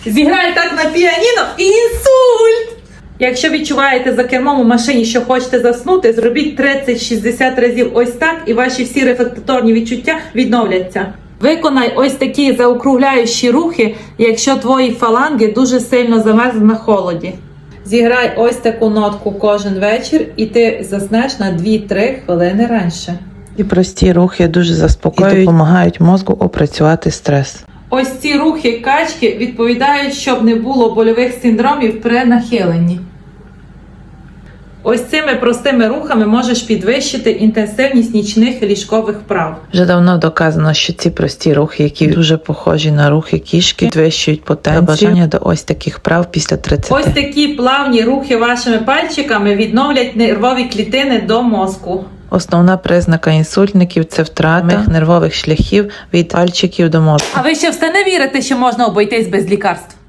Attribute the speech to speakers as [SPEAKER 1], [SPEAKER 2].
[SPEAKER 1] Зіграй так на піаніно і інсульт! Якщо відчуваєте за кермом у машині, що хочете заснути, зробіть 30-60 разів ось так, і ваші всі рефлекторні відчуття відновляться. Виконай ось такі заокругляючі рухи, якщо твої фаланги дуже сильно замерзли на холоді. Зіграй ось таку нотку кожен вечір, і ти заснеш на 2-3 хвилини раніше.
[SPEAKER 2] І прості рухи дуже заспокоюють і допомагають мозку опрацювати стрес.
[SPEAKER 1] Ось ці рухи качки відповідають, щоб не було больових синдромів при нахиленні. Ось цими простими рухами можеш підвищити інтенсивність нічних ліжкових вправ.
[SPEAKER 2] Вже давно доказано, що ці прості рухи, які дуже похожі на рухи кішки, підвищують потенцію бажання до ось таких вправ після 30.
[SPEAKER 1] Ось такі плавні рухи вашими пальчиками відновлять нервові клітини до мозку.
[SPEAKER 2] Основна признака інсультників – це втрата нервових шляхів від пальчиків до мозку.
[SPEAKER 1] А ви ще все не вірите, що можна обійтись без лікарств?